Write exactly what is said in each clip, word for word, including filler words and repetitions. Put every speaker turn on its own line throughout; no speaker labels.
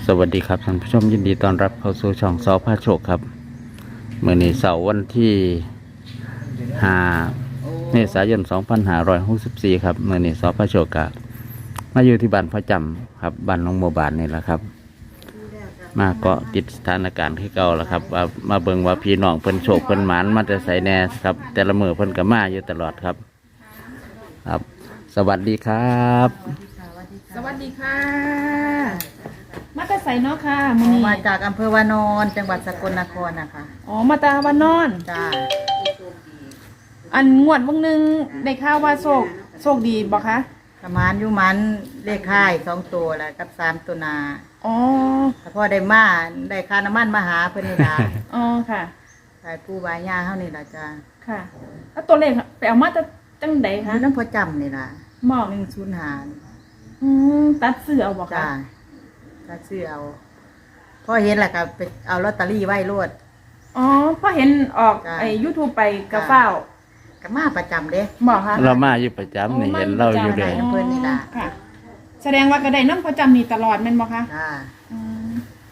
สวัสดีครับท่านผู้ชมยินดีต้อนรับเข้าสู่ช่องสอพาโชคครับเมื่อนี้เสาร์วันที่ห้าเมษายนสองพันห้าร้อยหกสิบสี่ครับเมื่อนี้สอพาโชคกับมาอยู่ที่บ้านพ่อจำครับบ้านน้องโมบานนี่แหละครับมาเกาะติดสถานการณ์ที่เก่าแล้วครับว่ามาเบิ่งว่าพี่น้องเพิ่นโชคเพิ่นหมานมาแต่ใส่แน่ครับแต่ละมือเพิ่นก็มาอยู่ตลอดครับครับสวัสดีครับ
สวัสดีค่ะมาแต่ใส่เนาะค่ะมื้อนี้
มาจากอำเภอวานอนจังหวัดสกลนครนะคะ
อ๋อมาตาวันนอน
จ้า
อันงวดวันหนึงได้ข่าวว่าโชคโชคดีบ่คะ
ประมาณอยู่มันเลขค่ายสองตัวแล้วกับสามตัวนา
อ๋อ
แต่พอได้มาได้ค่าน้ำมันมาหาเพิ่นนี่ล่ะ
อ๋อค่ะ
ขายปูบายยาเฮานี่ล่ะจ้า
ค่ะแล้วตัวเลขไปเอามาจากจังใด
อ
คะ
ยู่น้ำพอจำนี่ล่ะ
หมอ
หนึ่งศูนย์หา
อืมตัดซื้อเอาบ่คะ
จ้าถ้าซื้อเอาพอเห็นแหละก็ไปเอาลอตเตอรี่ไว้รวด
อ๋อพอเห็นออก
จ้ะ
ไอ้ YouTube ไปกระเฝ้า
ก็มาประจำเด้
หมอคะ
เรามาอยู่ประจำนี่เห็นเราอยู่เลย
เพิ่นนี่ล่ะ
ค่ะ แสดงว่ากระไดน้ำประจำนี่ตลอดแม่นบ่คะ
จ้า
อืม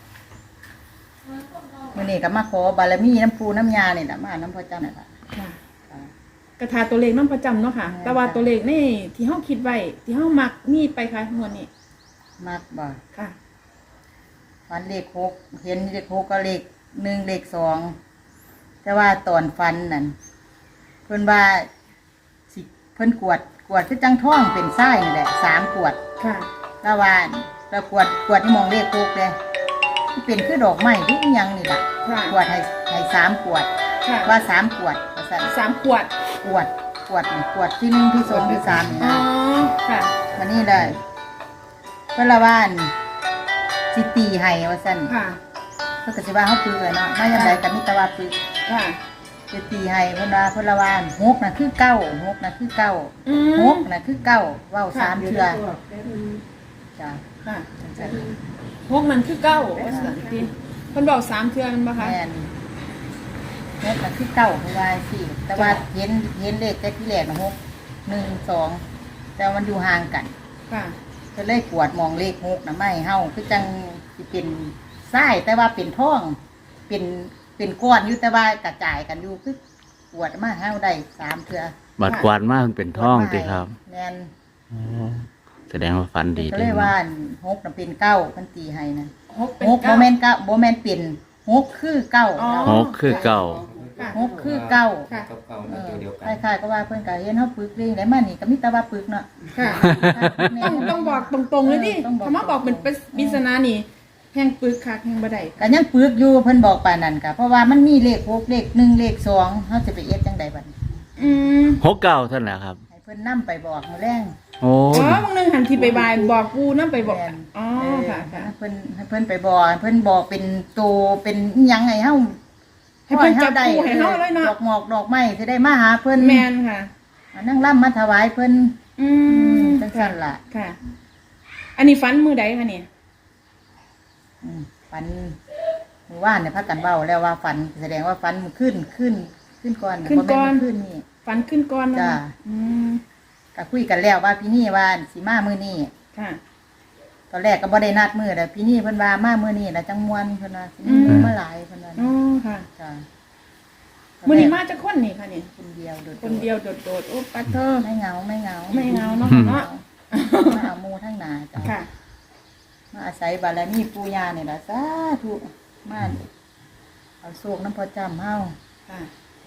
มื้อนี้ก็มาขอบารมีน้ำปูน้ำยานี่ล่ะมาน้ำพอจำนี่ล่ะ
ค่ะ
จ้า
กระทาตัวเลขน้ำประจำเนาะค่ะ
ใช่
แต่ว่าตัวเลขนี่ที่เฮาคิดไว้ที่เฮามักมีไปค่ะงวดนี้
มักบ่
ค่ะ
ฟันเลขหกเห็นเลขหกก็เลขหนึ่งเลขสองแต่ว่าตอนฟันนั่นเพิ่นว่าสิเพิ่นกวดกวดคือจังท้องเป็นไส้นี่แหละสามกวด
ค่ะ
ตะวันเรากวดกวดที่มองเลขหกเลยที่เป็นคือดอกไม้ที่อิหยังนี่แหละ
ค่ะ
กวดให้ให้สามกวด
ค่ะ
ว่าสามกวดว่าสั่น
สามขวด
กวดกวดนี่กวดที่หนึ่งที่สองที่สามนี่
อ๋อ
นะ
ค่ะ
วันนี้เลยเพิ่นละว่านสิตีให้ว่าสั่น
ค่ะ
เพิ่นก็สิว่าเฮาปึกเลยเนาะมาจังไดก็มีแต่ว่าปึก
ค่ะ
สิตีให้เพิ่นว่าเพิ่นละว่านหกน่ะคือเก้าหกน่ะคือเก้า
อื
ห
ม
กน่ะคือเก้าเว้าสามเทื่อจ้ะ
ค่ะ
จังซั่น
พวกมันคือเก้าว่าสันติเพิ่นบอกสามเทื่อมันบ่คะ
แม่นหกน่ะคือเก้าเพิ่นว่าสิแต่ว่าเห็นเห็นเลขแต่ที่แรกน่ะหกหนึ่งสองแต่ว่ามันอยู่ห่างกัน
ค่ะ
ก็เลยกวดมองเลขหกน่ะไม่เฮาคือจังสิเป็นทรายแต่ว่าเป็นทองเป็นเป็นก้อนอยู่แต่ว่ากระจายกันอยู่คือกวดมาเฮาได้สามเทื่อ
บัดกวาดมากเป็นท่องติครับ
แม่น
อ๋อแสดงว่าฟันดี
ก็
เล
เลย ยว่า
นะ
หกน่ะเป็นเก้าเพิ่นตีให้นะ
หกเป็น
หกโบ
เก้า
แมนเก้าโบแมนเป็นหกคือเก้า
อ๋อ
หกคือเก่า
ค่ะ
หกคือเก้า
ค่ะ
กับเก่า
เอ
ใน
อ
ตัวเดียวกัน
คล้ายๆก็ว่าเพิ่นก็เห็นเฮาปึกเรื่องได้มานี่ก็มีแต่ว่าปึกเนาะ
ค่ะ
แม่
ต้องต้องบอกตรงๆเลยดิ
เออต้องบอก
คำว่าบอกเป็นปริศนานี่แห่งปึกค่ะแห่งบ่ได้
ก็ยังปึกอยู่เพิ่นบอกปานนั้นก็เพราะว่ามันมีเลขหกเลขหนึ่งเลขสองเฮาจะไปเอ็ดจังไดบัดนี้
อืม
หกเก่าเท่านั้นแหละครับ
ให้เพิ่นนำไปบอกมื้อแรง
โอ้
อ๋อบางนึงหันที่ไปบายบอกกูนำไปบอก
แม่น
อ๋อ
เออ
ค่ะค่ะ
ให้เพิ่นให้เพิ่นไปบอกให้เพิ่นบอกเป็นโตเป็นอิหยังไงเฮา
ให้เพิ่นจับคู่ให้เฮาเลยเนาะ
ดอกหมอกดอกไม้สิได้มาหาเพิ่น
แม่นค่ะ
เอานั่งร่ำมาถวายเพิ่น
อืม
จังซั่นล่ะ
ค่ะ อันนี้ฟันมือใดคะเนี่ย
อืมฝันเมื่อวานเนี่ยพักกันเว้าแล้วว่าฝันแสดงว่าฝันมันขึ้นขึ้นขึ้นก่อนบ่แม่ขึ้นนี่
ฟันขึ้นก้อนแล้ว
จ้า
นะอืม
ก็คุยกันแล้วว่าพี่นี่ว่าสิมามื้อนี้
ค่ะ
ตอนแรกก็บ่ได้นัดมื้อแต่พี่นี่เพิ่นว่ามามื้อนี้แล้วจังม่วนเพิ่นว่าสิมี
อืม
มาหลายเพิ่นว่า
อ๋อค่ะ
จ้า
มือนี้มาจากคนนี่ค่ะนี่
คนเดียวโดดๆ
คนเดียวโดดๆโอ้ปัดเธอ
ไม่เหงาไม่เหงา
ไม่เหงาเนาะเนาะ
มาเอาหมู่ทั้งหนาจ้า
ค่ะ
มาอาศัยบารมีปู่ย่านี่ล่ะสาธุมาเอาโชคน้ำพอจำเฮา
ค่ะ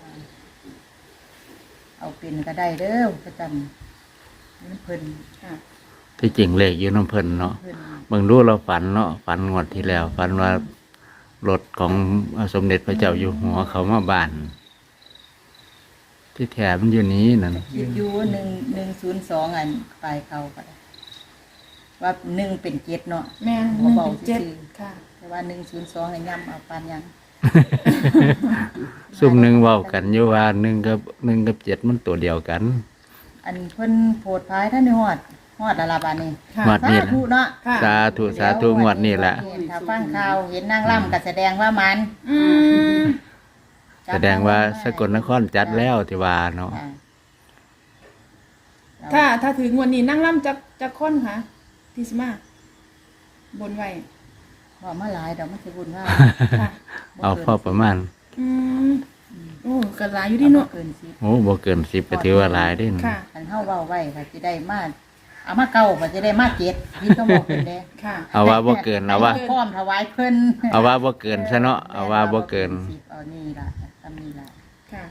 เอาเป็นก็ได้เด้อประจำนี่เพิ่น
ค่ะ
ที่จริงเลขอยู่น้ำเพิ่นเนาะ
เพิ่น
เบิ่งดูเราฝันเนาะฝันงวดที่แล้วฝันว่ารถของสมเด็จพระเจ้าอยู่หัวเขามาบ้าน ที่แถมนอยู่นี้นั่น
คิดอยู่หนึ่งหนึ่งศูนย์สองอันปลายเขาก็ได้ว่าหนึ่งเป็นเจ็ดเนาะ
แม่นห
บ่
นึ่ง
เบา
เป็นเจ็ด
ซื่อ
ค่ะ
แต่ว่าหนึ่งศูนย์สองให้ย่ำเอาปานยัง
ซุ่มหนึ่งเว้ากันอยู่ว่าหนึ่งกับหนึ่งกับเจ็ดมันตัวเดียวกัน
อันเพิ่นโพดพายท่านในฮอดฮอดละลาบานนี่
ค่ะ
งวดนี้
สาธุเนาะ
ค่ะ
สาธุสาธุงวดนี้แหละ
ถ้าฟังข่าวเห็นนางร่ำก็แสดงว่ามัน
อืม
แสดงว่าสกลนครจัดแล้วที่ว่าเนาะ
อ่า
ถ้าถ้าถึงวันนี้นั่งร่ำจักจักคนค่ะที่สิมาบนไว้
บอกมาหลายดอกมันสิบุญว่า
ค่ะ
เอาพอประมาณ
อืมโอ้กระลายอยู่ที่เนาะ
เกินสิบ
โอ้บ่เกินสิบก็ถือว่าหลายเด้น
ค่ะ
คันเฮาเว้าไว้ก็สิได้มาเอามาเก่าก็จะได้มาเจ็ดนี่ก็บอกเพิ่นเด้
ค่ะ
เอาว่าบ่เกินเอาว่า
พร้อมถวายเพิ่น
เอาว่าบ่เกินซะเนาะเอาว่าบ่เกิน
สิบเอานี่ล่ะทำนี่ล่ะ
ค่ะ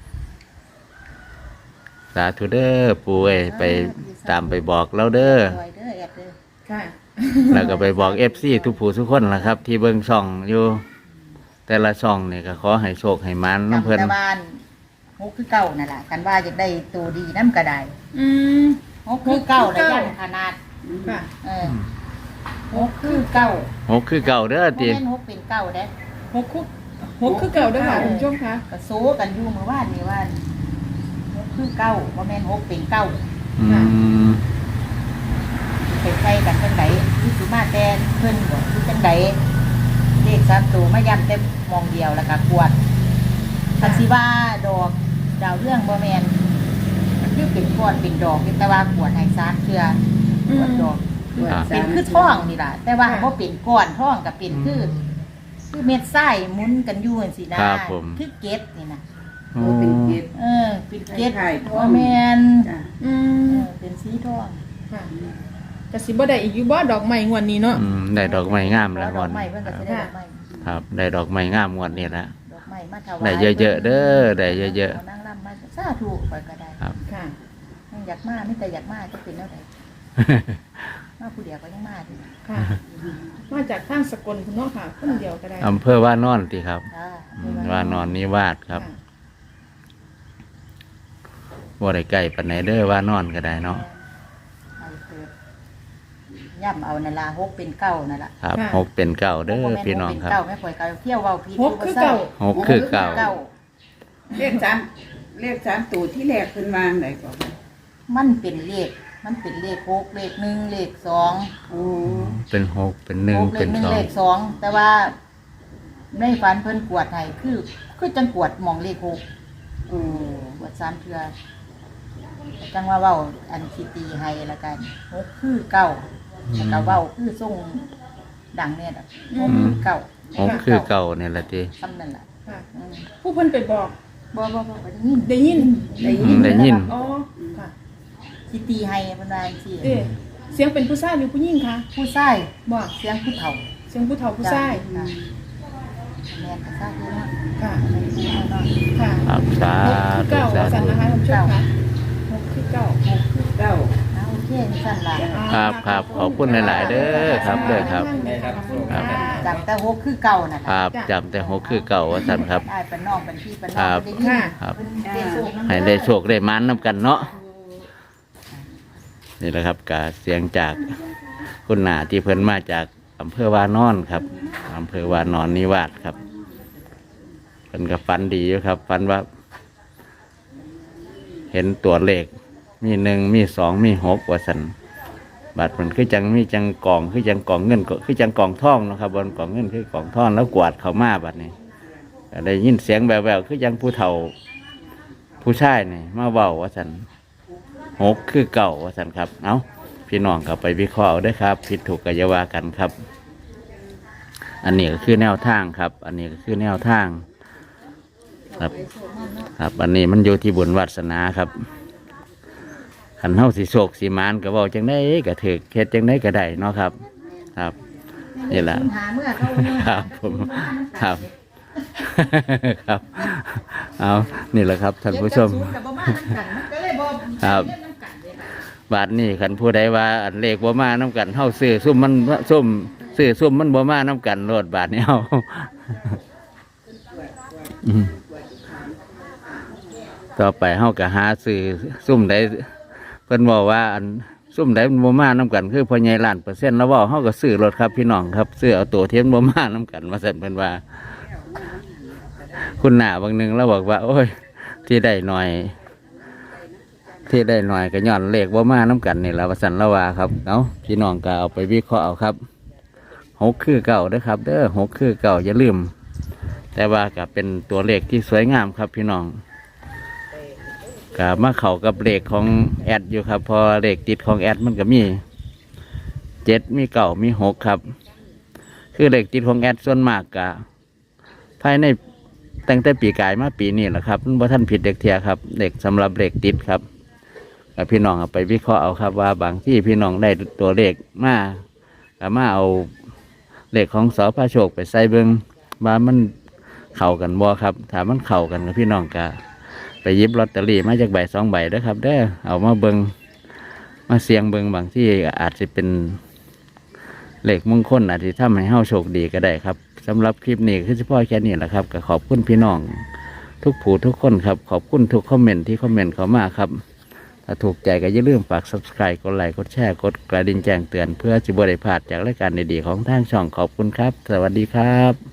สาธุเด้อปู่เอ้ยไปตามไปบอกเราเด้อ
รวยเด้อแอดเด้อ
ค่ะ
แล้วก็ไปบอก เอฟ ซี ทุกผู้ทุกคนล่ะครับ ที่เบิ่งช่องอยู่ แต่ละช่องนี่ก็ขอให้โชคให้มันน้ำเพิ่น
จำแต่บ้านฮกคือเก่านั่นล่ะกันว่าอยากได้ตัวดีน้ำก็ได้
อืม
ฮกคือเก่า
ฮกคือ
แล้ว
เก่า
ยันขนาด
ค่ะ
เออฮกคือเก่า
โอ้คือเก่าเด้อ
บ่
ติ
แม่นฮกเป็นเก่าเด้
หกคุกหกคือเก่าด้วยค่ะคุณผู้ชมคะ
ก็โซกันอยู่เมื่อวานนี่ว่าฮกคือเก่าบ่แม่นฮกเป็นเก่า
อืม
ไปใส่กันจังไดที่สิมาแต่เพิ่นบ่คือจังไดเลขสามตัวมาย้ำแต่มองเดียวแล้วก็กวดคันสิว่าดอกดาวเรื่องบ่แม่นคือเป็นก้อนเป็นดอกแต่ว่ากวดให้ซานเทื่อกวดดอก
ครับ
เป็นคือท่องนี่ล่ะ แต่ว่าบ่เป็นก้อนท่องก็เป็นคือ คือเม็ดทรายหมุนกันอยู่จังซี่นะครับ
ผม
คือเกล็ดนี่นะ
โอ้
เป็นเก็บ
เออเป็นเกล็ด
คล้ายๆท่อง
บ่แม่น
จ้ะ
อื
เอ
ม
อเป็นสีทอง
ค่ะกสิบ่ได้อีกอยู่บ่ดอกไม้งวดนี้เนาะ
อืมได้ดอกไม้งามแล้ว
ด
ก่
อ
อน
กไม้เพิ่นก็สิได้ดอกไม้
ครับ ได้ดอกไม้งามงวดนี้ละ
ดอกไม้มาถวาย
ได้เยอะๆเด้อได้เยอะๆ
ๆนั่งร่ำมาสาธุไปก็ได้
ครับ
ค่ะ
ยังอยากมามีแต่อยากมาจะเป็นแล้วใดมาผู้เดียวก็ยังมาดิ
ค่ะ มาจากทางสกลคุณเนาะค่ะคนเดียวก็ได้
อำเภอว่านอนติครับ
จ้า
อืมว่านอนนิวาสครับ
ค่ะ
บ่ได้ใกล้ปานไหนเด้อว่านอนก็ได้เนาะ
เอาเถิดย่ำเอานั่นล่ะฮกเป็นเก้านั่นล่ะ
ครับหกเป็นเก้าเด้อพี่น้องครับ
เก้าไม่ป่วยเก้าเที่ยวเว้าผิด
หกคือเก่า
หกคือเก้า
เก้า
เลขสามเลขสามตัวที่แรกขึ้นวางไหนก่อน
มันเป็นเลขมันเป็นเลขหกเลขหนึ่งเลขสอง
โอ้
เป็นหกเป็นหนึ่ง
หกเล
เป็
ข
น
หนึ่ง
สอง
เลขสองแต่ว่าในฝันเพิ่นกวดให้คือคือจังกวดหมองเลขหก
โอ้
กวดสามเทือจังว่าเว้าอันคิตีให้ละกันหกคือเก้าแล้วก็เว้าคือส่งดังเนี่ยดอกหกคือเก้า
หกคือเก้านี่แหละติ
คำนั่นแหละ
ค่ะ
อืม
ผู้เพิ่นไปบอก
บ่บ่บ่บ่ได้ยิน
ได้ยิน
ได้
อื
ยิ
ม
น
ได้ยิน
อ๋อค่ะ
คิตีให้เพิ่นว่าจังซี่
เอ๊ะเสียงเป็นผู้ชายหรือผู้หญิงคะ
ผู้ชาย
บอก
เสียงผู้เฒ่า
เสียงผู้เฒ่าผู้ชาย
จ้ะแม่นก็ซาธุเนาะ
ค่ะ
แม่นผู้เฒ่าเนาะ
ค่ะ
ครับสา
หกคือ
ธุ
เก่า
สา
สัน
ธุ
นะคะท่านผู้ชมค่ะหกคือเก่า
เก้า
เอาโอเคนี่สั่นล่ะ
ครับครับขอบคุณหลาย ๆ เด้อครับเด้อครับ
ครับ
จำแต่หกคือเก่านั่น
ค
ล่ะ
รับจำแต่หกคือเก่าว่าสันครับ
ได้เป็นน้องเป็นพี่เป็นน้
ครั
อง
บ
ได้ยิน
ครับ
เพิ่นได้โชคนำ
ให้ได้โชคได้มันน้ำกันเนาะนี่แหละครับกาเสียงจากคุณหนาที่เพิ่นมาจากอำเภอวานอนครับอำเภอวานอนนิวาสครับเพิ่นก็ฝันดีอยู่ครับฝันว่า เห็นตัวเลข มีหนึ่งมีสองมีหกว่าสันบัตรมันคือจังมีจังกองคือจังกองเงินก็คือจังกองทองเนาะครับบนกองเงินคือกองทองแล้วกวาดเขามาบัดนี้ก็ได้ยินเสียงแววๆคือจังผู้เฒ่า ผู้ชายนี่มาเว้าว่าสันหกคือเก่าว่าสันครับ เอาพี่น้องกลับไปวิเคราะห์เอาเด้วยครับ ผิดถูกกัยาวากันครับ อันนี้ก็คือแนวทางครับ อันนี้ก็คือแนวทาง ครับ ครับ อันนี้มันอยู่ที่บุญวาสนาครับขันเฮาสิโศกสิมานก็บอกจังได้ก็ถือเฮ็ดจังได้ก็ได้เนาะครับ ครับ นี่แหละ
หาเมื่อเขาเมื่อ
ครับผมครับ ครับ เอานี่แหละครับท่านผู้ชม
เจ็ดกับศูนย์กับบ่มาน้ำกันมันก็เลยบ่
ครับ
เล่นน้ำกันเลยค่ะ
บาทนี้ขันผู้ใดว่าอันเลขบ่มาน้ำกันเฮาซื้อซุ่มมันซุ่มซื้อซุ่มมันบ่มาน้ำกันโลดบาทนี้เฮา อืมต่อไปเฮาก็หาซื้อซุ่มใดเพิ่นบอกว่าอันซุ่มใดมันบ่มาน้ำกันคือพ่อใหญ่ล้านเปอร์เซ็นต์แล้วเว้าเฮาก็ซื้อรถครับพี่น้องครับซื้อเอาตัวเทียมบ่มาน้ำกันว่าซั่นเพิ่นว่า คุณหน้าบางหนึงแล้วบอกว่า โอ้ย ที่ได้หน่อย ที่ได้หน่อยก็ย้อนเลขบ่มาน้ำกันนี่ละว่าซั่นละว่าครับเอาพี่น้องก็เอาไปวิเคราะห์เอาครับหกคือเก่าเด้อครับ เด้อหกคือเก่าอย่าลืม แต่ว่าก็เป็นตัวเลขที่สวยงามครับพี่น้องก็มาเข้ากับเลขของแอดอยู่ครับเพอเลขติดของแอดมันก็มีเจ็ดมีเก่ามีหกครับคือเลขติดของแอดส่วนมากกะภายในตั้งแต่ปีกายมาปีนี้แหละครับมันบ่ท่านผิดเด็กเทียครับเด็กสำหรับเลขติดครับกับพี่น้องเอาไปวิเคราะห์เอาครับว่าบางที่พี่น้องได้ตัวเลขมาก็มาเอาเลขของสพโชคไปใส่เบิงว่ามันเข้ากันบ่ครับถ้ามันเข้ากันกับพี่น้องก็ไปหยิบลอตเตอรี่มาจากใบสองใบเด้อครับเด้อเอามาเบิงมาเสียงเบิงบางที่อาจจะเป็นเลขมงคลอาจจะทำให้เฮาโชคดีก็ได้ครับสำหรับคลิปนี้คือเฉพาะแค่นี้แหละครับก็ขอบคุณพี่น้องทุกผู้ทุกคนครับขอบคุณทุกคอมเมนต์ที่คอมเมนต์เข้ามาครับถ้าถูกใจก็อย่าลืมฝาก ซับสไครบ์ กดไลค์กดแชร์กดกระดิ่งแจ้งเตือนเพื่อจะบ่ได้พลาดจากรายการดีๆของทางช่องขอบคุณครับสวัสดีครับ